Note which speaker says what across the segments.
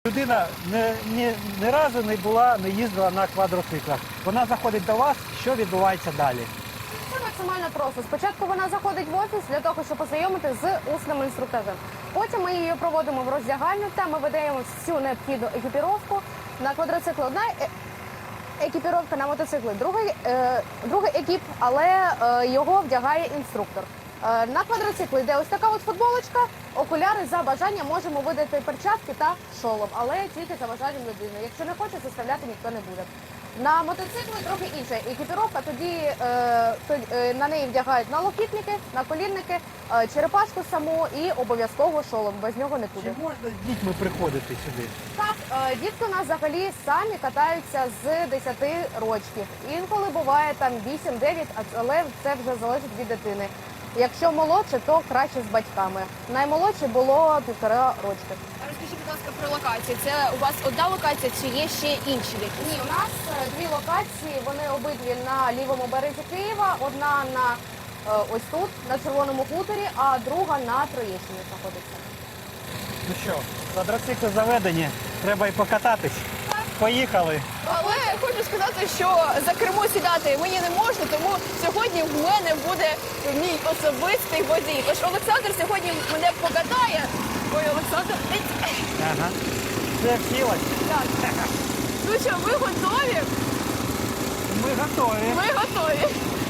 Speaker 1: Людина ні разу не їздила на квадроциклах. Вона заходить до вас, що відбувається далі?
Speaker 2: Це максимально просто. Спочатку вона заходить в офіс для того, щоб познайомити з усним інструктажем. Потім ми її проводимо в роздягальню, там ми видаємо всю необхідну екіпіровку. На квадроцикл одна екіпіровка, на мотоцикли другий екіп, але його вдягає інструктор. На квадроцикл йде ось така от футболочка, окуляри, за бажанням можемо видати перчатки та шолом, але тільки за бажанням людини. Якщо не хоче, заставляти ніхто не буде. На мотоцикли трохи інша екіпіровка, тоді на неї вдягають налокітники, наколінники, черепашку саму і обов'язково шолом, без нього не буде.
Speaker 1: Чи можна з дітьми приходити сюди?
Speaker 2: Так, дітки у нас взагалі самі катаються з 10 років. Інколи буває там 8-9, але це вже залежить від дитини. Якщо молодше, то краще з батьками. Наймолодше було 1,5 рочки.
Speaker 3: Розкажіть, будь ласка, про локацію. Це у вас одна локація чи є ще інші якісь?
Speaker 2: Ні, у нас дві локації, вони обидві на лівому березі Києва. Одна на ось тут, на Червоному хуторі, а друга на Троєщині знаходиться.
Speaker 1: Ну що, квадроцикли заведені, треба і покататись. Поїхали.
Speaker 3: Але хочу сказати, що за кермо сідати мені не можна, тому сьогодні в мене буде мій особистий водій. Тож Олександр сьогодні мене покатає. Ой, Олександр,
Speaker 1: Ага. Все всілось.
Speaker 3: так. Ну що, ви готові?
Speaker 1: Ми готові.
Speaker 3: Ми готові.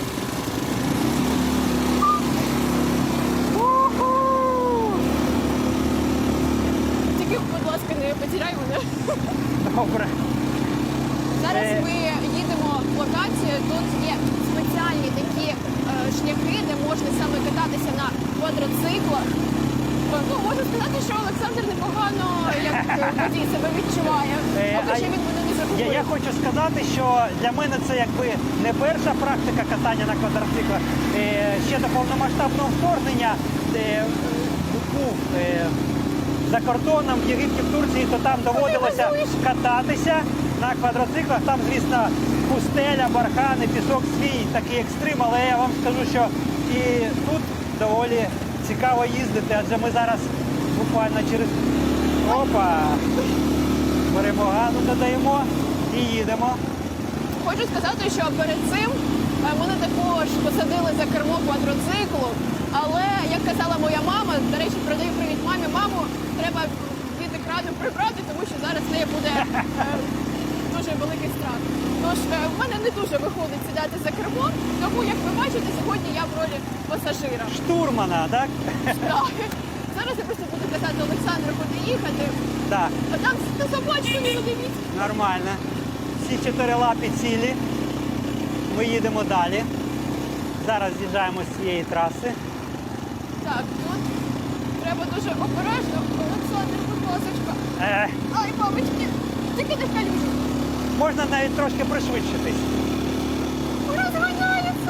Speaker 3: Тільки, будь ласка, не потеряй мене.
Speaker 1: Добре.
Speaker 3: Зараз ми їдемо в локацію. Тут є спеціальні такі шляхи, де можна саме кататися на квадроциклах. Ну, можу сказати, що Олександр непогано як водій себе відчуває. Поки що він мене не загубив.
Speaker 1: Я хочу сказати, що для мене це якби не перша практика катання на квадроциклах. Ще до повномасштабного вторгнення був за кордоном в Єгипті, в Турції, то там доводилося кататися на квадроциклах. Там, звісно, пустеля, бархани, пісок свій, такий екстрим, але я вам скажу, що і тут доволі цікаво їздити, адже ми зараз буквально через беремо газу, додаємо і їдемо.
Speaker 3: Хочу сказати, що перед цим мене також посадили за кермо квадроциклу, але, як казала моя мама, до речі, передаю привіт мамі, маму треба від екрану прибрати, тому що зараз в неї буде дуже великий страх. Тож в мене не дуже виходить сідати за кермо, тому, як ви бачите, сьогодні я в ролі пасажира.
Speaker 1: Штурмана, так?
Speaker 3: Так. Зараз я просто буду казати Олександру, куди їхати.
Speaker 1: Так,
Speaker 3: А там на собачку не дивіться.
Speaker 1: нормально. Всі 4 лапи цілі. Ми їдемо далі. Зараз з'їжджаємо з цієї траси.
Speaker 3: Так, тут треба дуже обережно. Олександр, будь ласка. Ай, мамочки, тільки не в калюжу.
Speaker 1: Можна навіть трошки пришвидшитись.
Speaker 3: Розганяється.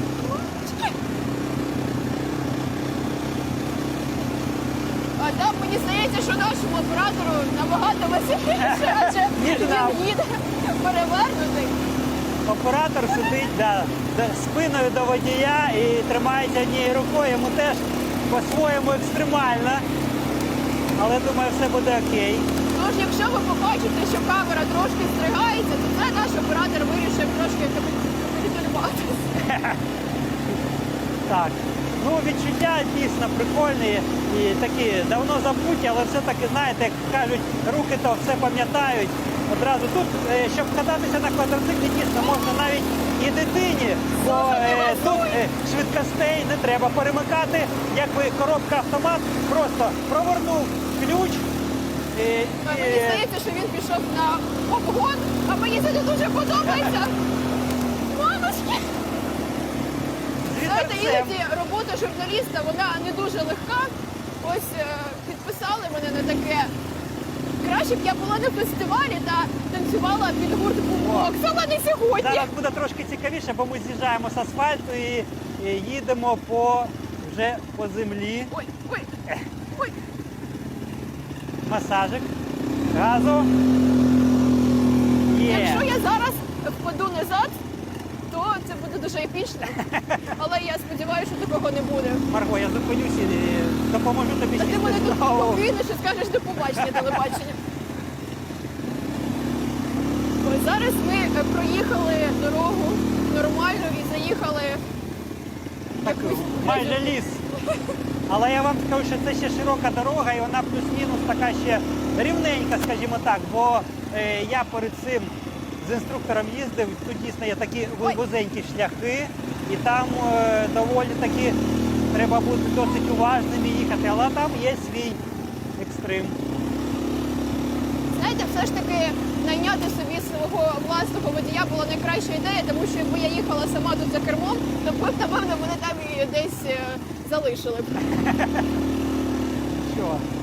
Speaker 3: А там мені здається, що нашому оператору набагато веселіше, адже
Speaker 1: Ніж нам.
Speaker 3: він їде перевернутий.
Speaker 1: Оператор сидить спиною до водія і тримається однією рукою. Йому теж по-своєму екстремально. Але думаю, все буде окей.
Speaker 3: Тож, якщо ви побачите, що камера трошки стригається, то це наш оператор вирішив трошки капітулюватися.
Speaker 1: Так. Ну, відчуття дійсно прикольні і такі давно забуті, але все-таки, знаєте, як кажуть, руки то все пам'ятають. Одразу тут, щоб кататися на квадроциклі, дійсно можна навіть і дитині, бо тут швидкостей не треба перемикати, якби коробка автомат, просто провернув ключ.
Speaker 3: Мені здається, що він пішов на обгон, а мені це не дуже подобається. Мамочки! Знаєте, іноді робота журналіста, вона не дуже легка. Ось підписали мене на таке. Краще б я була на фестивалі та танцювала під гурт бумбокс, але не сьогодні.
Speaker 1: Зараз буде трошки цікавіше, бо ми з'їжджаємо з асфальту і їдемо вже по землі.
Speaker 3: Ой, ой, ой.
Speaker 1: Масажик. Газу. Є.
Speaker 3: Якщо я зараз впаду назад, то це буде дуже епічно. Але я сподіваюся, що такого не буде.
Speaker 1: Марго, я зупинюсь і допоможу тобі
Speaker 3: Та ти
Speaker 1: сісти
Speaker 3: мене тут
Speaker 1: знову.
Speaker 3: покинеш і скажеш до побачення телебачення. проїхали дорогу нормально і заїхали в
Speaker 1: Так,
Speaker 3: якусь
Speaker 1: майже ліс. Але я вам скажу, що це ще широка дорога і вона плюс-мінус така ще рівненька, скажімо так, бо я перед цим з інструктором їздив, тут дійсно є такі вузенькі шляхи, і там доволі таки треба бути досить уважним і їхати, але там є свій екстрим.
Speaker 3: Знаєте, все ж таки найняти собі свого власного водія була найкраща ідея, тому що якби я їхала сама тут за кермом, то б, напевно, мене там і десь залишили б.
Speaker 1: Що?